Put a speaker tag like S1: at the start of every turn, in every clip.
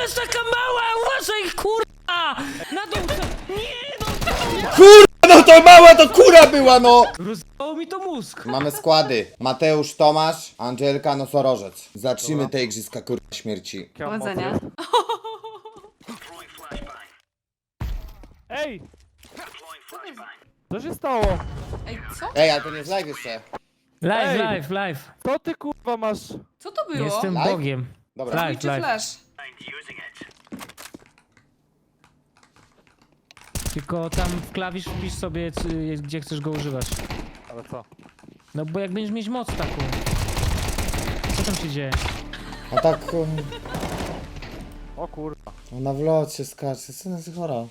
S1: jest taka mała? Uważaj, kurwa! Na dół! Nie, no!
S2: Kurwa, no to mała to kura była, no!
S1: Rozdało mi to mózg.
S2: Mamy składy. Mateusz, Tomasz, Angelka, Nosorożec. Zacznijmy te igrzyska kurwa śmierci.
S3: Powodzenia.
S4: Ej! Co się stało?
S3: Ej, co?
S2: Ej, ale to nie jest live jeszcze.
S1: Live,
S4: Ej.
S1: live, live.
S4: Co ty kurwa masz?
S3: Co to było?
S1: Jestem
S2: Live?
S1: Bogiem.
S2: Dobra.
S1: Live,
S3: Twitch czy
S1: live.
S3: flash?
S1: Tylko tam w klawisz wpisz sobie, gdzie chcesz go używać.
S4: Ale co?
S1: No bo jak będziesz mieć moc taką. Co tam się dzieje?
S2: A tak
S4: O kurwa.
S2: na wlocie skacze, co jest chora?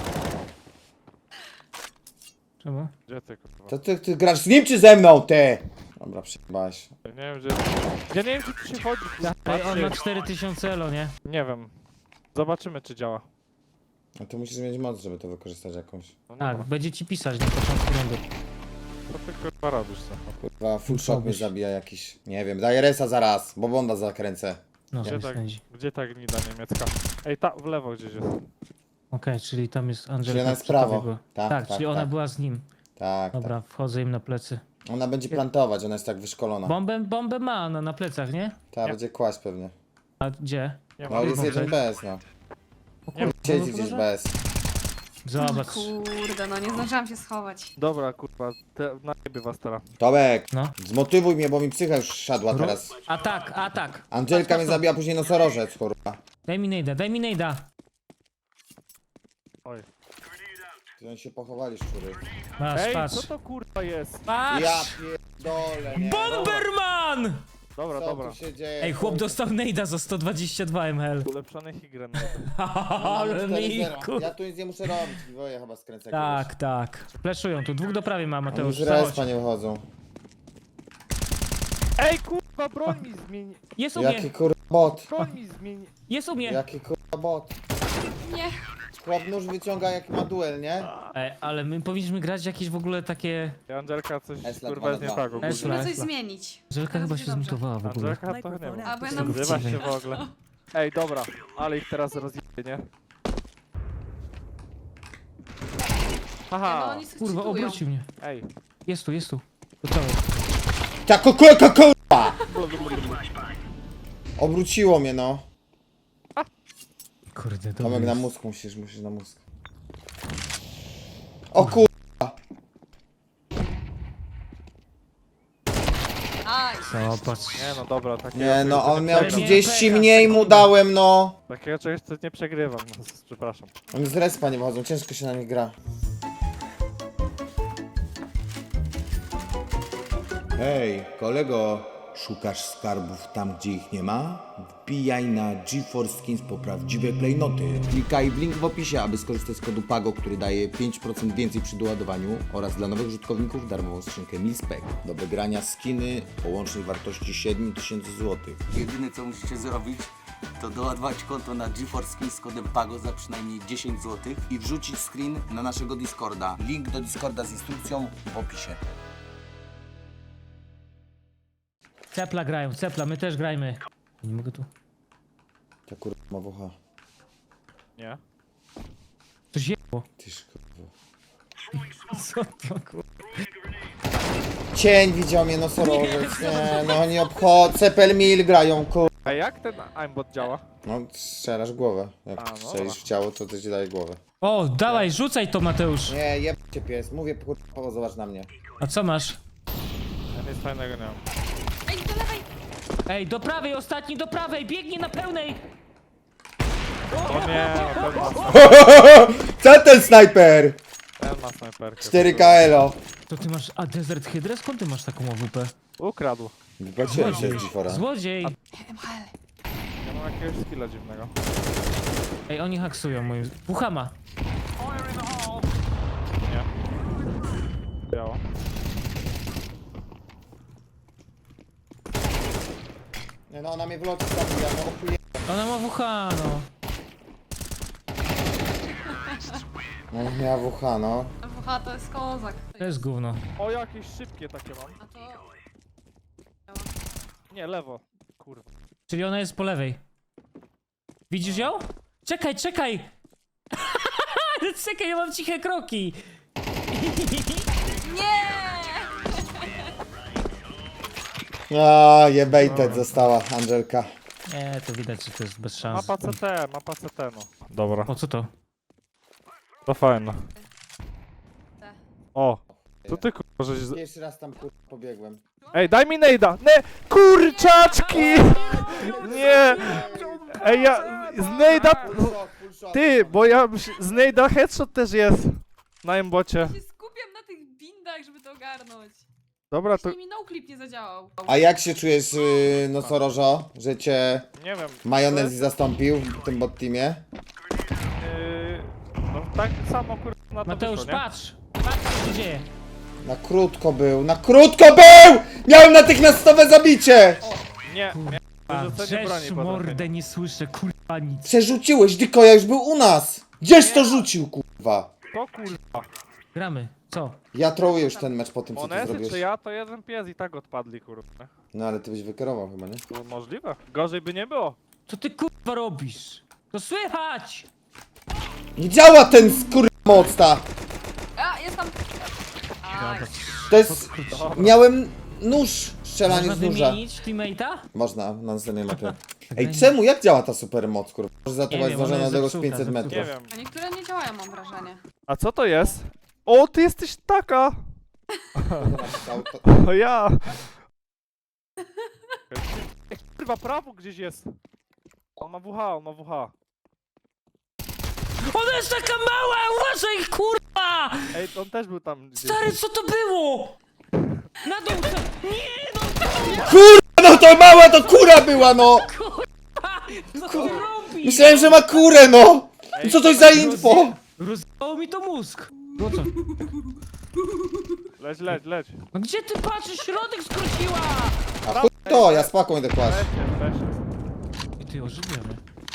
S1: Czemu?
S4: Gdzie ty kurwa?
S2: To ty grasz z nim czy ze mną, ty? Dobra, przyjebałeś.
S4: Ja nie wiem gdzie... Ja nie wiem gdzie tu się chodzi. kurwa.
S1: Ej, on ma
S4: Patrzcie.
S1: 4000 elo, nie?
S4: Nie wiem. Zobaczymy czy działa.
S2: A ty musisz mieć moc, żeby to wykorzystać jakąś.
S4: No nie
S1: Tak,
S4: ma.
S1: będzie ci pisać na początku rundy.
S4: Co ty kurwa robisz co?
S2: Kurwa, full shock mnie
S1: robisz?
S2: zabija jakiś. Nie wiem, daję resa zaraz, bo bonda zakręcę.
S1: No,
S4: Gdzie
S1: sobie
S4: tak,
S1: spędzi.
S4: gdzie ta gnida niemiecka? Ej, ta w lewo gdzieś jest.
S1: Okej, czyli tam jest Angelika.
S2: Czyli ona jest
S1: przy tobie
S2: prawo.
S1: była.
S2: Tak,
S1: Tak,
S2: tak,
S1: czyli ona
S2: tak.
S1: była z nim.
S2: Tak,
S1: Dobra, wchodzę im na plecy.
S2: tak. Ona będzie plantować, ona jest tak wyszkolona.
S1: Bombę ma ona na plecach, nie?
S2: Ta będzie kłaść pewnie.
S1: A gdzie?
S4: Nie
S2: No
S4: ma.
S2: jest jeden bez, no. Siedzi gdzieś bez.
S1: Zobacz.
S3: Kurde, no nie zdążyłam się schować.
S4: Dobra kurwa, najebie was teraz.
S2: Tomek,
S1: No.
S2: zmotywuj mnie, bo mi psycha już siadła teraz.
S1: Atak, atak.
S2: Angelka mnie zabija, później nosorożec, kurwa.
S1: Daj mi nejda, daj mi nejda.
S4: Oj.
S2: Oni się pochowali, szczury.
S1: Masz,
S4: Ej,
S1: patrz.
S4: co to kurwa jest?
S1: Patrz!
S2: Ja pierdolę, nie.
S1: Bomberman!
S4: Dobra,
S2: Co
S4: dobra.
S2: tu się dzieje?
S1: Ej, chłop dostał nejda za 122 ml.
S4: Ulepszony higren.
S1: Ale
S2: 4-0.
S1: Miku.
S2: Ja tu nic nie muszę robić, Woje chyba skręcę
S1: Tak, tak. Fleszują tu, dwóch do prawej ma
S2: Oni
S1: Mateusz.
S2: z
S1: Zachodź.
S2: respa nie wychodzą.
S4: Ej kurwa, broń mi zmieni.
S1: Jest u mnie,
S2: Jaki kurwa bot?
S4: Broń mi zmieni.
S1: jest u mnie.
S2: Jaki kurwa bot?
S3: Nie.
S2: Chłop nóż wyciąga jak ma duel, nie?
S1: Ej, ale my powinniśmy grać jakieś w ogóle takie...
S4: Angelka coś
S2: Esla
S4: kurwa jest nie
S2: 2-2.
S4: tak ogólnie.
S1: Esla.
S3: Musimy coś zmienić.
S1: Żelka
S3: Teraz
S1: chyba
S3: będzie
S1: się
S3: dobrze.
S1: zmutowała w ogóle.
S4: Angelka to nie wiem.
S3: Albo ja
S1: Tego
S3: nam
S4: Zrywa
S1: wcale.
S4: się w ogóle. Ej, dobra, ale ich teraz rozjebie, nie?
S3: No
S4: Haha,
S3: oni coś
S1: Kurwa,
S3: czytują.
S1: obrócił mnie.
S4: ej.
S1: Jest tu, jest tu. Gotowy.
S2: Tak, kurwa! Obróciło mnie, no.
S1: Kurde,
S2: Tomek
S1: dobry
S2: na
S1: jest.
S2: mózg musisz na mózg. O kur...
S3: Aj,
S1: Zobacz.
S4: Nie no dobra, takiego
S2: Nie no,
S4: czegoś
S2: on
S4: nie
S2: miał
S1: Ale nie,
S4: przegrywam.
S2: 30 mniej mu dałem, no.
S4: Takiego czegoś co nie przegrywam, no, przepraszam.
S2: Oni z respa nie wychodzą, ciężko się na nich gra. Hej, kolego, szukasz skarbów tam, gdzie ich nie ma? Wbijaj na GeForce Skins po prawdziwe klejnoty. Klikaj w link w opisie, aby skorzystać z kodu PAGO, który daje 5% więcej przy doładowaniu oraz dla nowych użytkowników darmową skrzynkę Milspec. Do wygrania skiny o łącznej wartości 7000 zł.
S5: Jedyne co musicie zrobić, to doładować konto na GeForce Skins z kodem PAGO za przynajmniej 10 zł i wrzucić screen na naszego Discorda. Link do Discorda z instrukcją w opisie.
S1: Cepla grają, cepla, my też grajmy. Nie mogę tu.
S2: Ta kurwa ma wucha.
S4: Nie?
S1: Coś jebło.
S2: Tyż kurwa.
S1: Co to kurwa?
S2: Cień widział mnie nosorożec, nie no nie obchodzę, Cepel Mil grają, kur...
S4: A jak ten aimbot działa?
S2: No strzelasz w głowę, jak
S4: A, no
S2: strzelisz
S4: dobra.
S2: w ciało, to ci daje głowę.
S1: O, dawaj, rzucaj to Mateusz.
S2: Nie, jebcie pies, mówię kurwa, zobacz na mnie.
S1: A co masz?
S4: Ja nic fajnego nie mam.
S3: ej, do lewej.
S1: Ej, do prawej, ostatni do prawej, biegnie na pełnej.
S4: O nie, no ten ma,
S2: Co ten snajper?
S4: ten ma snajperkę.
S2: 4K elo.
S1: To ty masz, a Desert Hydra? Skąd ty masz taką AWP?
S4: Ukradł.
S2: Wypłaciłem się z Gifora.
S1: Złodziej.
S3: MHL.
S4: Ja mam jakiegoś skilla dziwnego.
S1: Ej, oni haksują moim... Puchama.
S4: Nie. Biało.
S2: Nie no, ona mnie w locie zabija, no ochuje...
S1: Ona ma WH, no.
S2: No miała WH, no.
S3: WH to jest kozak.
S1: To jest gówno.
S4: O, jakieś szybkie takie mam.
S3: A to...
S4: Nie, lewo. Kurwa.
S1: Czyli ona jest po lewej. Widzisz ją? Czekaj, czekaj! Czekaj, ja mam ciche kroki!
S3: Nie!
S2: A, jebejtet została Angelka.
S1: Nie, to widać, że to jest bez szans.
S4: Mapa CT, no. Dobra,
S1: O, co to?
S4: to fajne.
S3: Te.
S4: O, to ty kurwa, żeś...
S2: Pierwszy raz tam kurwa pobiegłem.
S4: Ej, daj mi nejda! Ne! Kurczaczki! Nie! Ej, ja... Z nejda... Ty, bo ja... Z nejda headshot też jest. Na embocie.
S3: Się skupiam na tych bindach, żeby to ogarnąć.
S4: Dobra, to...
S3: Właśnie mi noclip nie zadziałał.
S2: A jak się czujesz, nosorożo, że cię
S4: Nie wiem.
S2: majonez zastąpił w tym bot teamie?
S4: No tak samo kurwa na to
S1: Mateusz,
S4: wyszło, nie?
S1: patrz! Patrz, co się dzieje!
S2: Na krótko był, na krótko był! Miałem natychmiastowe zabicie!
S4: Nie, wyrzucenie broni
S1: Drzesz
S4: potem.
S1: mordę, nie słyszę, kurwa nic.
S2: Przerzuciłeś, Dykoja już był u nas! Gdzież to rzucił, kurwa?
S4: To kurwa.
S1: Gramy, co?
S2: Ja trołuję już ten mecz po tym, co ty
S4: Monesy
S2: zrobiłeś.
S4: czy ja, to jeden pies i tak odpadli kurwa.
S2: No ale ty byś wykierował chyba, nie?
S4: To możliwe. Gorzej by nie było.
S1: Co ty kurwa robisz? To słychać!
S2: Nie działa ten mocna!
S3: A, jest tam... Aj.
S2: To jest... Miałem nóż, strzelanie
S1: Można
S2: z nóża.
S1: wymienić teammate'a?
S2: Można, na następnej mapie. Ej, czemu? Jak działa ta supermoc, kurwa? Może
S1: Nie
S2: zaatakować
S1: wiem, ona
S2: zdążenia
S1: jest
S2: odległość
S1: zepsuta,
S2: 500
S1: zepsuta.
S2: metrów.
S4: Nie wiem.
S3: A niektóre nie działają, mam wrażenie.
S4: A co to jest? O, ty jesteś taka! O ja! Kurwa, prawo gdzieś jest. On ma WH.
S1: Ona jest taka mała! Uważaj, kurwa!
S4: Ej, on też był tam gdzieś.
S1: Stary, co to było? Na dół! Nie, no
S2: No to mała to kura była, no!
S1: co ty robisz?
S2: Myślałem, że ma kurę, no!
S4: Ej,
S2: Co to jest za info?
S1: Rozdało mi to mózg. No co?
S4: Leć.
S1: No gdzie ty patrzysz? Środek skróciła!
S2: A chuj to, ja z paką idę kłaść.
S4: Leć.
S1: I ty ożywiamy.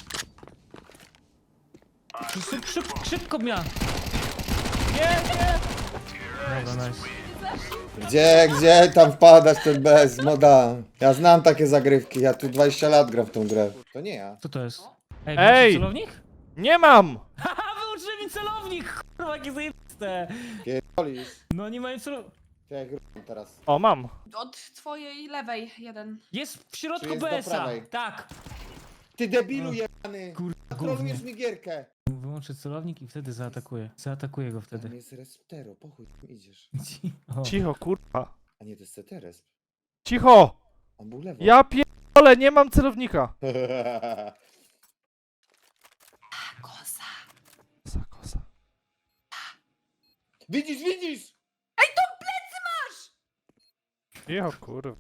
S1: Szybko miał.
S4: Nie!
S1: Dobra, nice.
S2: Gdzie tam wpadać ten bez, moda? Ja znam takie zagrywki, ja tu 20 lat gram w tą grę. To nie ja.
S1: Co to jest?
S4: Ej!
S1: Ej! celownik?
S4: Nie mam!
S1: Haha, wyłączyli mi celownik! Kurwa, jakie zajebiste!
S2: Pierdolisz.
S1: No nie mają celownik.
S2: Jak teraz.
S4: O, mam.
S3: Od twojej lewej jeden.
S1: Jest w
S2: Czy
S1: środku
S2: jest do
S1: BS-a.
S2: prawej?
S1: Tak.
S2: Ty debilu jebany!
S1: Kurwa,
S2: Trolujesz
S1: gównie.
S2: mi gierkę!
S1: Wyłączę celownik i wtedy zaatakuję. Zaatakuję go
S2: Tam
S1: wtedy.
S2: jest resptero, po chuj tam idziesz.
S1: O.
S4: Cicho, kurwa.
S2: A nie, to jest CT-resp.
S4: Cicho!
S2: On był lewo.
S4: Ja pierdolę, nie mam celownika.
S3: Koza.
S4: Kosa.
S2: Widzisz!
S4: Cicho, kurwa.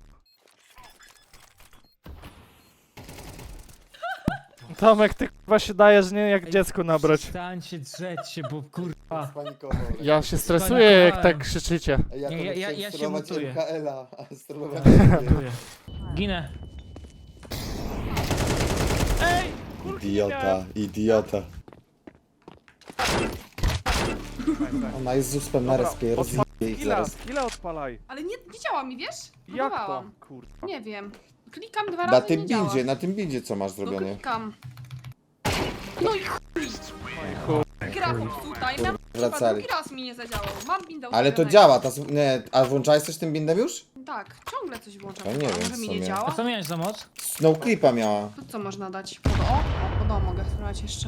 S4: Tomek, ty kurwa się dajesz, nie jak dziecko nabrać.
S1: Stańcie, drzeć się, bo kurwa.
S2: Spanikował.
S4: Ja się stresuję, jak tak krzyczycie.
S2: Ja,
S1: Nie, ja się mutuję.
S2: MKL-a, a sterować
S1: Dziękuję. Ginę.
S4: Ej!
S2: Idiota. Ona jest z uspem na respie, rozjebie ich zaraz.
S4: Ile odpalaj?
S3: Ale nie działa mi, wiesz?
S4: Jak to?
S3: Próbowałam.
S4: Kurwa.
S3: Nie wiem. Klikam dwa
S2: Na
S3: razy i
S2: tym
S3: nie działa.
S2: bindzie, na tym bindzie co masz
S3: No
S2: zrobione?
S3: klikam. No i chuj. Gra popsuta i miałam
S2: Wracali.
S3: drugi raz mi nie zadziałał. Mam binda
S2: Ale to
S3: ustawionego.
S2: działa, nie, a włączałeś coś tym bindem już?
S3: Tak, ciągle coś włączam.
S2: To nie wiem,
S3: Może
S2: w
S3: mi
S2: sumie.
S3: nie
S1: A
S3: działa?
S1: co miałeś za moc?
S2: Snowclipa miała.
S3: To co można dać? Pod O? O, pod O mogę spróbować jeszcze.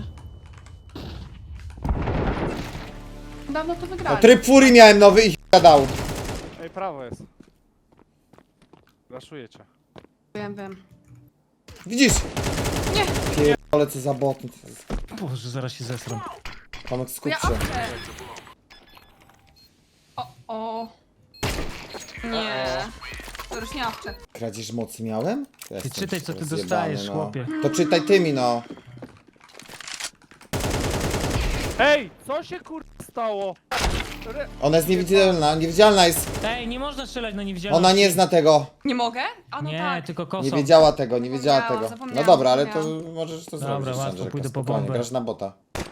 S3: Dawno to
S2: No
S3: wygrałem.
S2: tryb furii miałem nowy i dał.
S4: Ej, prawo jest. Raszuję cię.
S3: Wiem.
S2: Widzisz?
S3: Nie.
S2: Ale co za bot.
S1: Boże, zaraz się zesram.
S2: Tomek, skup
S3: Ja
S2: się.
S3: awczę. O. Nie. To już nie awczę.
S2: Kradzież mocy miałem?
S1: Ty
S2: Jestem
S1: czytaj, co ty
S2: rozjebany,
S1: dostajesz,
S2: no.
S1: chłopie.
S2: To czytaj tymi, no.
S4: Ej! Co się kurwa stało?
S2: Ona jest niewidzialna jest.
S1: Ej, nie można strzelać na niewidzialność.
S2: Ona nie zna tego.
S3: Nie mogę? A no
S1: Nie,
S3: tak.
S1: tylko
S2: Nie
S1: kosą.
S2: wiedziała tego, nie wiedziała
S3: Zapomniałam,
S2: tego.
S3: zapomniałam,
S2: No dobra, ale to
S3: zapomniałam.
S2: możesz to
S1: Dobra,
S2: zrobić.
S1: łatwo,
S2: Andrzejka,
S1: pójdę po
S2: spokojnie,
S1: bombę.
S2: grasz na bota.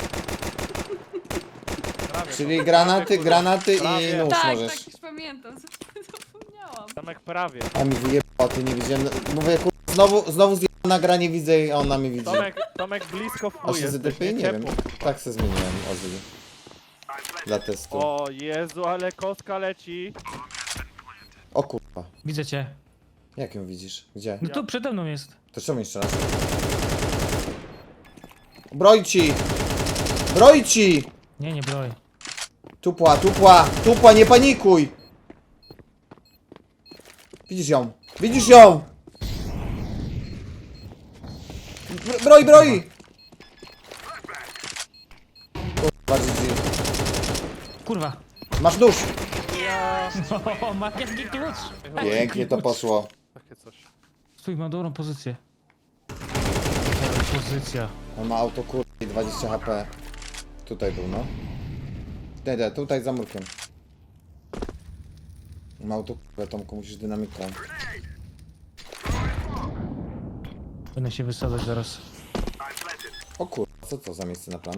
S4: Prawie,
S2: Czyli
S4: to-
S2: granaty i
S4: Prawie.
S2: nóż
S3: Tak,
S2: możesz.
S3: tak, już pamiętam. Zapomniałam.
S4: Tomek prawie.
S2: A mi wyjebało, ty nie widziałem. Mówię, znowu zjebał nagranie widzę i ona mnie widzi.
S4: Tomek blisko w
S2: A
S4: chuj
S2: się
S4: jesteś,
S2: ZDP? Nie wiem.
S4: ciepło.
S2: Tak se zmieniłem Ozzy. Dla testu.
S4: O Jezu, ale kostka leci.
S2: O kurwa.
S1: Widzę cię.
S2: Jak ją widzisz? Gdzie?
S1: No tu przede mną jest.
S2: To czemu jeszcze raz? Brojci! Brojci!
S1: Nie, nie broń.
S2: Tupła, tupła, tupła, nie panikuj! Widzisz ją? Widzisz ją? Broj, broj! Kurwa, GG.
S1: Kurwa.
S2: Masz nóż!
S1: O, magiczny klucz.
S2: Pięknie to poszło.
S4: Takie coś.
S1: Stój, mam dobrą pozycję. Dobra pozycja.
S2: On ma auto kurwa i 20 HP. Tutaj był, no. Nie, tutaj za murkiem. Ma auto kurwa, Tomku, musisz dynamiką.
S1: Będę się wysadzać zaraz.
S2: O kurwa, co to za miejsce na plan?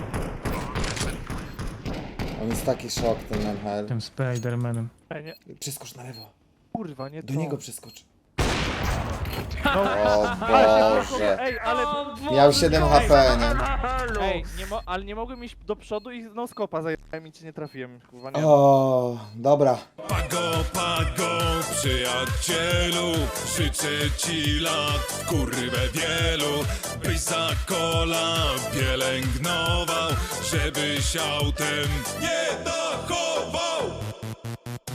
S2: On jest taki szok, ten MHL.
S1: Tym Spidermanem.
S4: Ej, nie,
S2: Przeskocz na lewo.
S4: kurwa, nie
S2: Do
S4: to.
S2: niego przeskocz.
S4: No,
S2: O Boże.
S4: ej, ale...
S2: Miał 7 HP, nie?
S4: Ej, ale nie mogłem iść do przodu i no skopa zajebałem i cię nie trafiłem, kurwa, nie.
S2: O, dobra.
S6: Pago, przyjacielu, życzę ci lat, kurwę wielu, byś za kola pielęgnował, żebyś autem nie dachował.